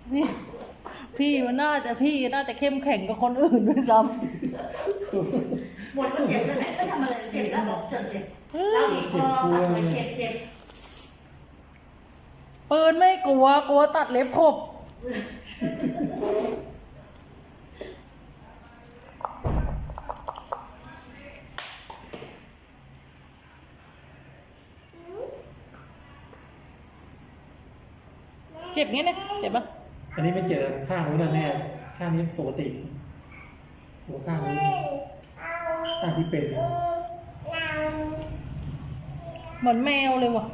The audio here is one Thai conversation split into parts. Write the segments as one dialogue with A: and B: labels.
A: นี่พี่น่าจะเข้มแข็งกับคนอื่นด้วยซ้ำ
B: หมดก็เจ็บแล้วแหละไม่ทำอะไรเจ็บแล้วบอกเจ็บแล้วอีกพอตัดเลยเจ็บ
A: ปืนไม่กลัวตัดเล็บขบเจ็บงี้นะเจ็บปะ
C: อันนี้ไม่เจอข้างนู้นนะแน่ข้างนี้ปกติหัวข้างนี้ข้างที่เป็นนะ
A: เหมือนแมวเลยว่ะ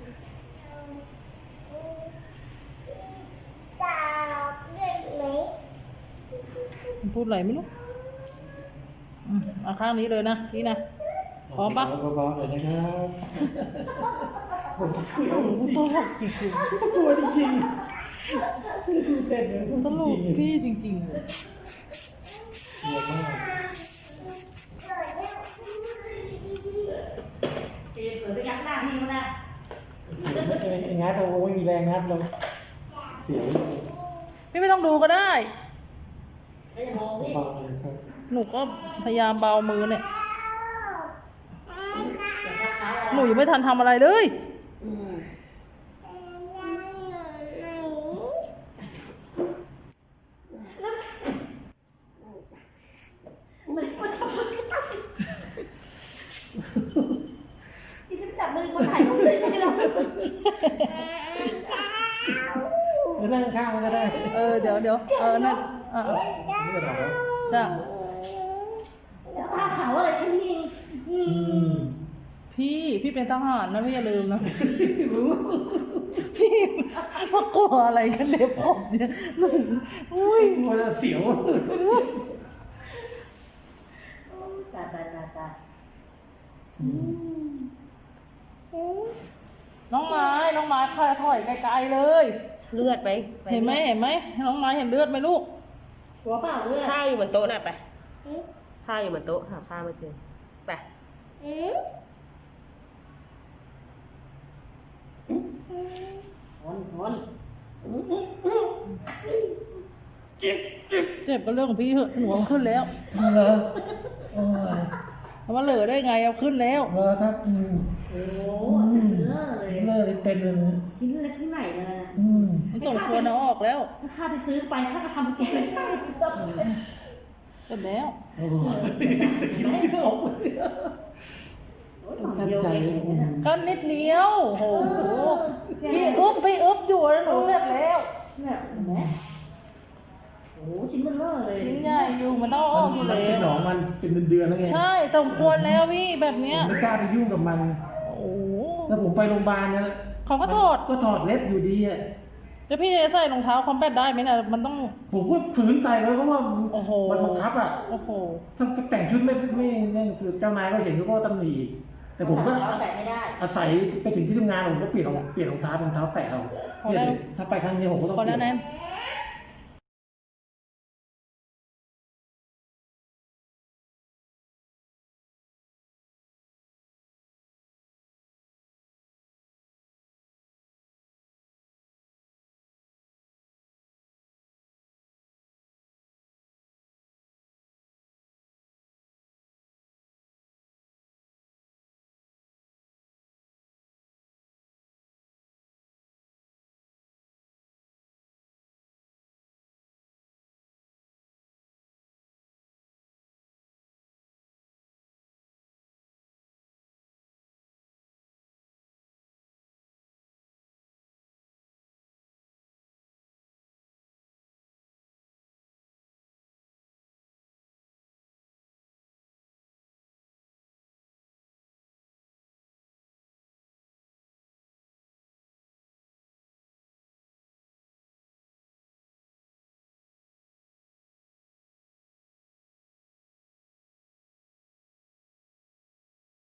A: มันพูดอะไรไม่รู้เอาข้างนี้เลยนะพี่นะพร้อมปะ
C: เบาๆหน่อยนะครับผมกลัว
A: ตลกจริง
C: กลัวจริงๆเต้นเลย
A: ๆตลกพี่จริงๆเลย
C: กลัวมาก
B: เจ็บเผื่อไปยักหน้าพี่เขานะ
C: งัดเราไม่มีแรงงัดเราเสียว
A: พี่ไม่ต้องดูก็ได้
B: ไม่มองนี่
C: เบาๆเลยครับ
A: หนูก็พยายามเบามือเนี่ย
B: อย่าชักเท้า
A: หนูยังไม่ทันทำอะไรเลย
B: ที่จะจับมือคนถ่ายรูปเลยไม่ได้หรอก
C: หรือนั่งข้างมันก็ได้
A: เดี๋ยวนั่น
C: นี่ก็ได้แล้ว
A: จ้ะ
B: ผ้าขาวอะไรแค่นี้เอง
A: พี่เป็นทหารนะพี่อย่าลืมนะพี่มากลัวอะไรกันเล็บผมเนี่ยหนูอุ้ย
C: กลัวจะเสียว
B: ตา
A: น้องไม้พาถอยไกลๆเลย
D: เลือดไหม
A: เห็นไหมน้องไม้เห็นเลือดไหมลูก
B: หัวเปล่าเลือด
D: ข้าวอยู่บนโต๊ะน่ะไปข้าวอยู่บนโต๊ะหาข้าวมาเจอไป
B: วน
A: เจ็บก็เรื่องของพี่เหอะหนูเอาขึ้นแล้ว
C: เหรอโอ้ย
A: แต่ว่าเหลือได้ไงเอาขึ้นแล้ว
C: เหรอครับ
B: โอ้เจ็บเลือดเลย
C: เลิกเลยเป็นเลย
B: ชิ้นเล็กที่ไหนมา
A: มันสมควรเอาออกแล้ว
B: ถ้าข้าไปซื้อไปข้าก็ทำแกไม่ได้
A: เสร็จแล้ว
C: โอ้ยชีวิตไม่ออกเลยต้องกั้นใจ
A: ก็นิดเดียวโหพี่อึบอยู่แล้วหนูเสร็จแล้ว
B: เนี่ยเห็นไหมโอ้ชิ้นมันเลือดเลย
A: ชิ้นใหญ่อยู่มันต้องเอาออกอยู่
C: มัน
A: แล้
C: เป็นหน
A: ว
C: องมันเป็นเดือนๆแล้วไง
A: ใช่สมควรแล้วพี่แบบเนี้ย
C: ผมไม่กล้าไปยุ่งกับมัน
A: โอ้โห
C: แล้วผมไปโรงพยาบาลนะ
A: เขาก็ถอด
C: ก็ถอดเล็บอยู่ดีอ่ะ
A: แล้วพี่จะใส่รองเท้าคอมแบทได้ไหมน่ะมันต้อง
C: ผมก็ฝืนใส่เลยเพราะว่า
A: โอ้โห
C: มันบังคับอ่ะ
A: โอ้โห
C: ถ้าแต่งชุดไม่นั่นคือเจ้านายก็เห็นเขาก็ตำหนิแต่ผมก็
B: เราแต่ไม่ได้
C: อาศัยไปถึงที่ทำงานผมก็เปลี่ยนรองเท้าแตะเอาเนี่ยถ้าไปครั้งนี้ผมก็ต้อง
A: พอ
C: เปลี่
A: แล้
C: ย
A: วน แนน